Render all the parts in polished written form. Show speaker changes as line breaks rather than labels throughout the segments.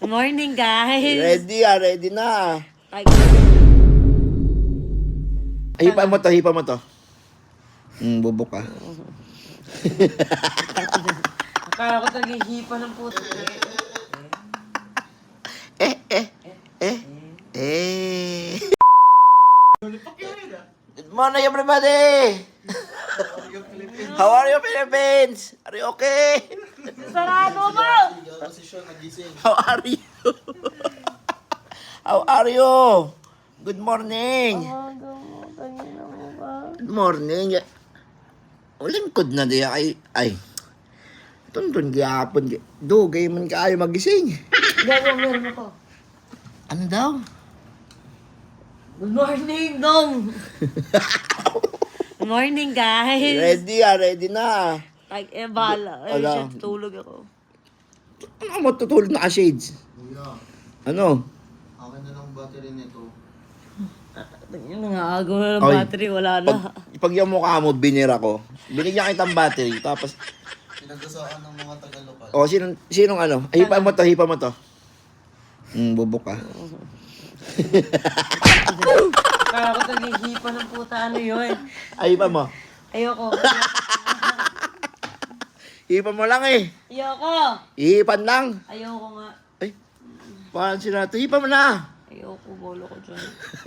Morning, guys.
Ready na.
Ay,
Hipa mo to. Bubok ka.
akala ko naghihipa ng puto.
Good morning, everybody! How are you, Philippines? Are you okay?
Sarado mo!
How are you? How are you? Good morning. Good morning. Ulingkod na diya ay. Tuntun gihapon. Dugay man kaayo magising.
Gawa, meron ako.
Ano daw?
Good morning, Dong. Good morning, guys.
Ready na.
Ay, bala. Ay,
Ala.
shit, tulog ako.
Ano matutulog na ka-shades?
Kuya,
Ano?
akin na lang battery nito.
Yung nangaagaw na ng
Oy,
battery, wala na.
Pag yung mukha mo, binira ko. Binigyan kitang battery. Tapos,
Pinagdasaan ng mga taga-lokal.
sinong ano? Hipa mo to. Bubok ka.
Akala ko naghihipa ng puta, ano yun?
Hipa mo.
Ayoko.
Hipa mo lang eh.
Ayoko.
Hihipan lang.
Ayoko nga.
Ay, paano sila ito? Hipa mo na.
Ayoko, bolo ko dyan.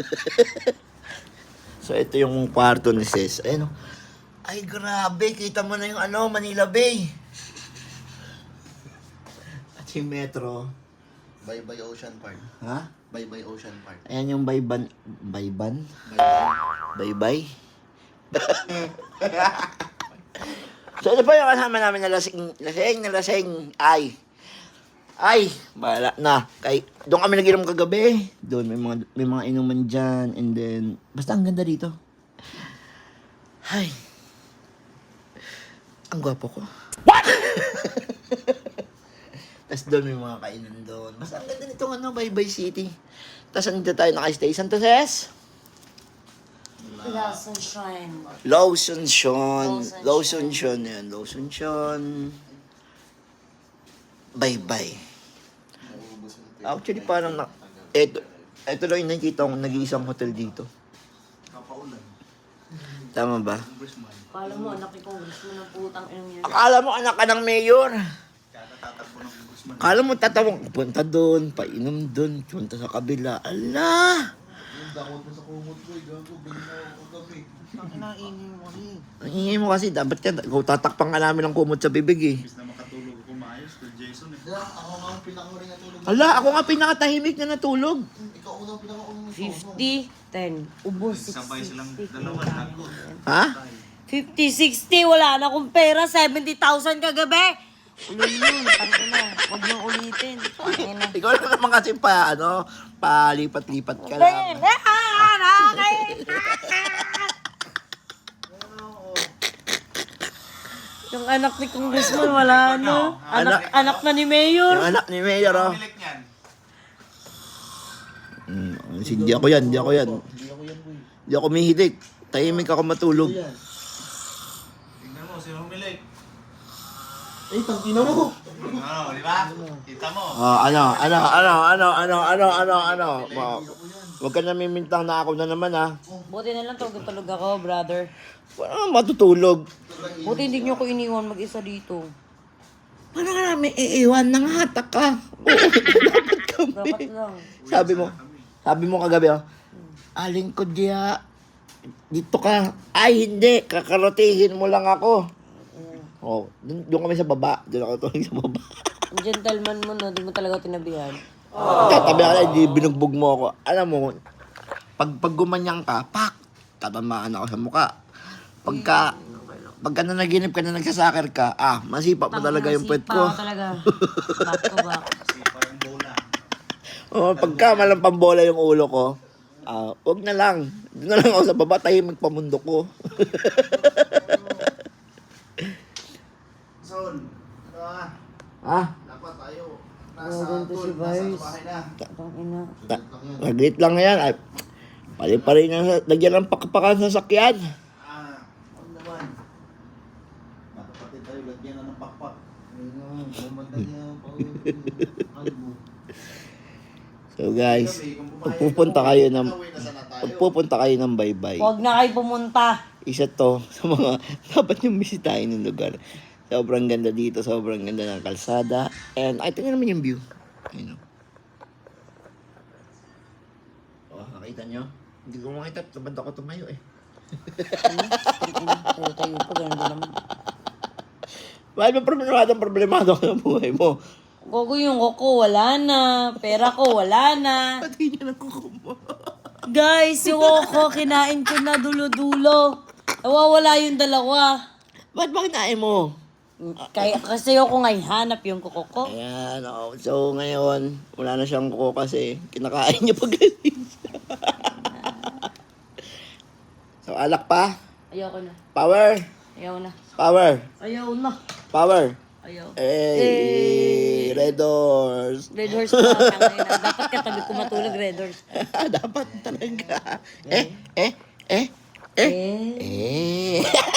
So, ito yung kwarto ni Sis. Ayun. Ay, grabe. Kita mo na yung Manila Bay. At yung metro.
Bye-bye Ocean Park.
Ha?
Bye-bye Ocean Park.
Ayan yung Bayban. Bye-bye. So, ito pa yung kasama namin na lasing. Ay, bahala na. Doon kami nag-inom kagabi. Doon, may mga inuman dyan. And then, basta ang ganda dito. Ay. Ang gwapo ko. What? Tapos doon may mga kainan doon. Basta ang ganda nitong Bye-bye City. Tapos andito tayo nakastay. Saan to, Ses?
Lawson Shrine.
Lawson yan. Lawson. Bye-bye. Actually, parang ito lang yung nakikita kong nag-iisang hotel dito.
Kapaulan.
Tama ba?
Akala mo, anak ni Congressman ng putang inong yan.
Akala mo anak ka ng mayor.
Katatakbo ng Guzman.
Akala mo tatawang punta doon, painom doon, punta sa kabila. Ala!
Yung dakot mo sa kumot ko, gago, bigla ako kagabi. Ang kinaingin mo rin.
Ang ingay mo kasi, dapat ka, tatakpang ka namin ng kumot sa bibig eh.
Imbis na makatulog ako maayos kay Jason eh.
Ako nga ang pinakamuling natulog.
Ala, ako nga pinakatahimik na natulog.
Ikaw unang pinakamuling
50, 10. Ubos, 60.
Sabay silang dalawa tago.
Ha?
50, 60, wala na akong pera. 70,000 kagabi. Ulo yun, tangin na. Huwag nang ulitin. Tangin na.
Ikaw lang naman kasi palipat-lipat ka lang.
Yung anak ni Congressman, wala na. Anak na ni Mayor.
Yung anak ni Mayor, oh.
Pilik niyan.
Hindi ako yan.
Hindi ako yan, boy.
Hindi ako mihidik. Tahimik ako matulog.
Tingnan mo, sino humilik?
Eh, tangina mo!
Ano, di ba? Kita mo.
Huwag ka namimintang na ako na naman, ha.
Buti na lang tulog ako, brother.
Wala matutulog.
Buti hindi niyo ko iniwan mag-isa dito.
Paano ka namin iiwan? Nangahatak ka. Oo, dapat kami.
Dapat lang.
Sabi mo kagabi, oh. Aling ko diya. Dito ka. Ay, hindi. Kakaratingin mo lang ako. Oh, doon kami sa baba. Doon ako tuloy sa baba.
Ang gentleman mo, no? Di mo talaga tinabihan.
Tatabi ka na, hindi binugbog mo ako. Alam mo, pag gumanyang ka, pak! Tatamaan ako sa mukha. Pagka nanaginip ka na nagsasakar ka, masipa pa talaga yung puwet ko.
Sipa talaga. Back to back.
Sipa yung bola.
Oh, pagka malang pambola yung ulo ko, wag na lang. Doon na lang ako sa baba, tahimik pamundo ko.
Son, ano ah? Dapat tayo.
Ganito si Vice.
bahay na.
Tangina.
Naglit lang yan. Ay, pali-pali na lagyan ng pakpakan sa sakyan.
Huwag naman. Nakapatid tayo, lagyan na ng pakpak. Ayun na, bumanda niya. Kalbo.
So guys, pagpupunta kayo ng Baybay.
Huwag na kayo pumunta.
Isa to sa mga dapat yung bisitahin ng lugar. Sobrang ganda dito, sobrang ganda ng kalsada. And ay, tingnan naman yung view. Ayun o. Oh, nakita nyo? Hindi ko makita, tabad ako tumayo eh.
Tayo pa, ganun din naman.
Bakit ba problemado ka ng buhay mo?
Gogo yung kuko, wala na. Pera ko, wala na.
Pati niya ng kuko mo.
Guys, yung kuko, kinain ko na dulo-dulo. Nawawala yung dalawa.
Ba't ba kinain mo?
Kaya, kasi ako nga hanap yung kuko ko.
Ayan, oh. So ngayon, wala na siyang kuko kasi kinakain niya pag galing siya. So alak pa.
Ayoko na.
Power.
Ayaw na.
Power.
Ayaw na.
Power.
Ayaw.
Hey, Red Doors.
Red horse pa. Tangay na. Dapat katabi ko matulog, red horse.
Dapat talaga. Eh.
Eh.